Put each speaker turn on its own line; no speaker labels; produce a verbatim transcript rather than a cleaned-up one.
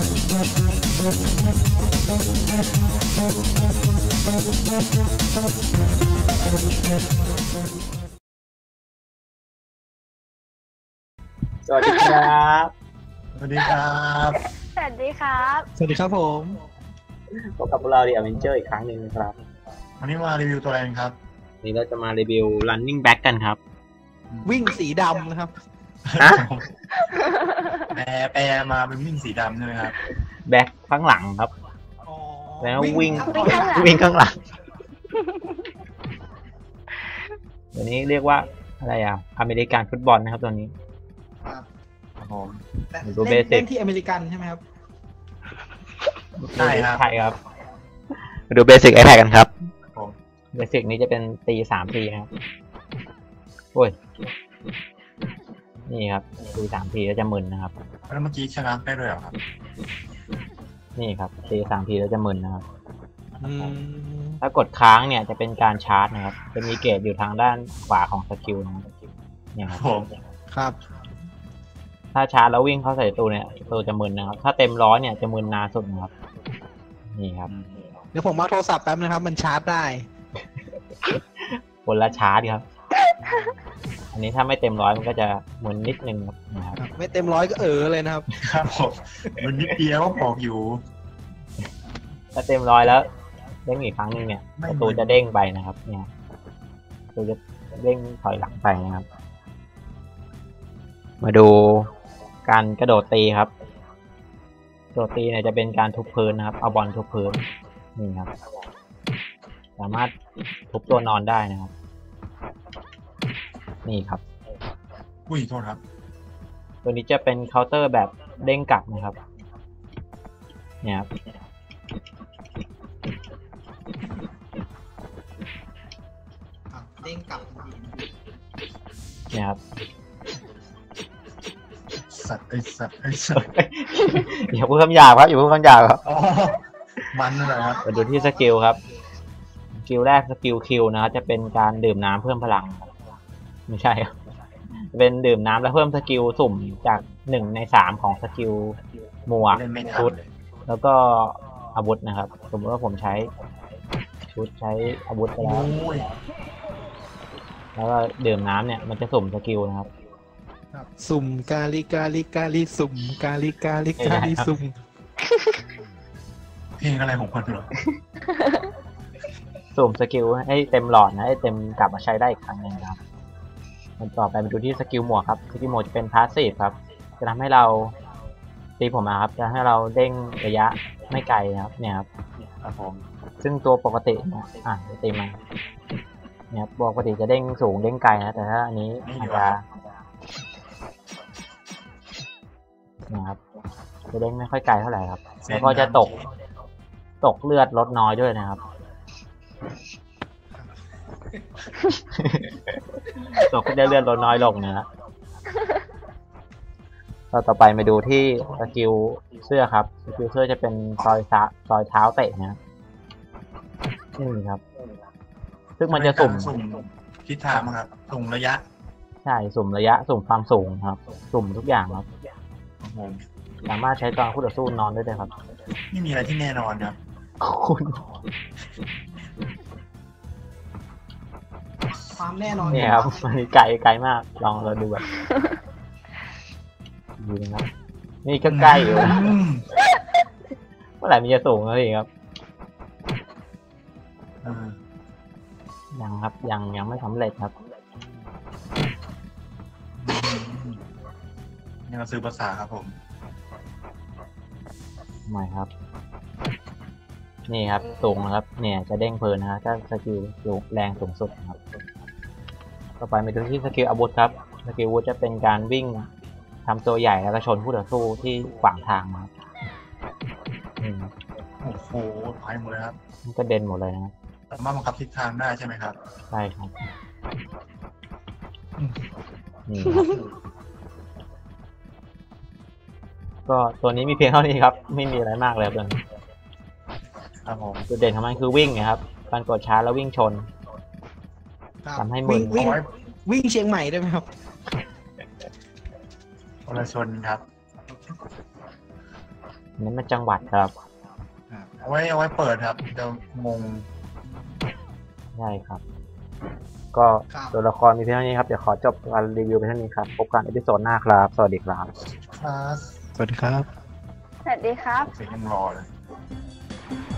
สวัสดีครับ
สวัสดีครับ
สวัสดีครับ
สวัสดีครับผม
พบกับพวกเราดิอเวนเจอร์อีกครั้งหนึ่งนะครับ
วันนี้มารีวิวตัวอะไรครับ
นี่เราจะมารีวิว running back กันครับ
วิ่งสีดำนะครับ
ฮะ
แปรแปรมาเป็นวิ่งสีดำใช่ไหมครับ
แบ็คข้างหลังครับแล้ววิ่งวิ่งข้างหลังตัวนี้เรียกว่าอะไรอ่ะอเมริกันฟุตบอลนะครับตัวนี้
ครับผม
ดูเบสิก
ที่อเมริกันใช่ไหมครับ
ใช่ครับใช่ครับมาดูเบสิกไอแพดกันครับเบสิกนี้จะเป็นตีสามทีนะครับโอ้ยนี่ครับตีสามทีแล้วจะมึนนะครับ
แล้วเมื่อกี้ชนะได้ด้วยเหรอครับ
นี่ครับตีสามทีแล้วจะมึนนะครับถ้ากดค้างเนี่ยจะเป็นการชาร์จนะครับจะมีเกจอยู่ทางด้านขวาของสกิลนะครับเนี่ยครับ
ครับ
ถ้าชาร์จแล้ววิ่งเข้าใส่ตัวเนี่ยตัวจะมึนนะครับถ้าเต็มร้อยเนี่ยจะมึนนานสุดนะครับนี่ครับ
เดี๋ยวผมมาโทรศัพท์แป๊บนะครับมันชาร์จได้
คนละชาร์จครับอันนี้ถ้าไม่เต็มร้อยมันก็จะมึนนิดนึงนะครับ
ไม่เต็มร้อยก็เออเลยนะครับ
ครับผมมันนิดเดียวก็บอกอยู่
ถ้าเต็มร้อยแล้วเด้งอีกครั้งนึงเนี่ยประตูจะเด้งไปนะครับเนี่ยประตูจะเด้งถอยหลังไปนะครับมาดูการกระโดดตีครับกระโดดตีเนี่ยจะเป็นการทุบพื้นนะครับเอาบอลทุบพื้นนี่ครับสามารถทุบตัวนอนได้นะครับนี่ครับ
อุ้ยโทษครับ
ตัวนี้จะเป็นเคาน์เตอร์แบบเด้งกลับนะครับเนี่ยครับ
เด้งกลับ
เนี่ยครับ
สัตว์ไอสัตว์ไอสัตว์
อย่าพูดคำหยาบครับอย่าพูดคำหยาบครับ
มันเลยครับ
มาดูที่สกิลครับสกิลแรกสกิลคิวนะครับจะเป็นการดื่มน้ำเพิ่มพลังไม่ใช่ครับเป็นดื่มน้ำแล้วเพิ่มสกิลสุ่มจากหนึ่งในสามของสกิลหมวกชุดแล้วก็อาวุธนะครับสมมติว่าผมใช้ชุดใช้อาวุธไปแล้วแล้วก็ดื่มน้ำเนี่ยมันจะสุ่มสกิลนะครับ
สุ่มกาลิกาลิกาลิสุ่มกาลิกาลิกาลิสุ่ม
เพลงอะไรของคนเหรอ
สุ่มสกิลให้เต็มหลอดนะให้เต็มกลับมาใช้ได้อีกครั้งหนึ่งครับมันต่อไปมาดูที่สกิลหมวกครับสกิลหมวกจะเป็นพาสซีฟครับจะทำให้เราตีผมมาครับจะให้เราเด้งระยะไม่ไกลนะครับเนี่ยครับครับผมซึ่งตัวปกติเนี่ยอ่ะตีมาเนี่ยปกติจะเด้งสูงเด้งไกลนะแต่ถ้าอันนี้อาจจะนะครับจะเด้งไม่ค่อยไกลเท่าไหร่ครับแล้วก็จะตกตกเลือดลดน้อยด้วยนะครับตกได้เลือดลดน้อยลงนะเราต่อไปมาดูที่สกิลเสื้อครับสกิลเสื้อจะเป็นซอยซซอยเท้าเตะนะนี่ครับซึ่งมันจะสุ่ม
ทิศทางครับสุ่มระยะ
ใช่สุ่มระยะสุ่มความสูงครับสุ่มทุกอย่างครับสามารถใช้ตอนคู่ต่อสู้นอนได้เลยครับ
ไม่มีอะไรที่แน่นอนครับ
คุณ
ความแน่นอน
เนี่ยครับมันไกลไกลมากลองเราดูแบบดูนะครับนี่ก็ใกล้อยู่เมื่อไหร่มันจะสูงแล้วอีกครับยังครับยังยังไม่สำเร็จครับ
นี่เราซื้อภาษาครับผม
ไม่ครับนี่ครับสูงนะครับเนี่ยจะเด้งเพลินนะถ้าสกิลสูงแรงสูงสุดครับต่อไปไปดูที่สกิลอาวุธครับสกิลอาวุธจะเป็นการวิ่งทำตัวใหญ่แล้วก็ชนผู้ต่อสู้ที่ขวางทางนะครับ
โอ้โหไปหมดเลยครับ
มันก็เด่นหมดเลยนะครับ
สามารถบังคับทิศทางได้ใช่ไหมครับ
ใช่ครับนี่ก็ตัวนี้มีเพียงเท่านี้ครับไม่มีอะไรมากเลยครับตัวนี้
ครับผม
จุดเด่นของมันคือวิ่งนะครับการกดชาร์จแล้ววิ่งชนทำให้มึน
วิ่งวิ่งเชียงใหม่ได้ไหมครับ
คนละชนครับ
นั้นมันจังหวัดครับ
เอาไว้เอาไว้เปิดครับจะงง
ใช่ครับ ก็
ครับ
ตัวละครมีเพียงเท่านี้ครับ เดี๋ยวขอจบการรีวิวไปเท่านี้ครับ พบกันในอีพิโซดหน้าครับ สวัสดีครับ
คลาส
สวัสดีครับ
สวัสดีครับ
เสียงยังรอเลย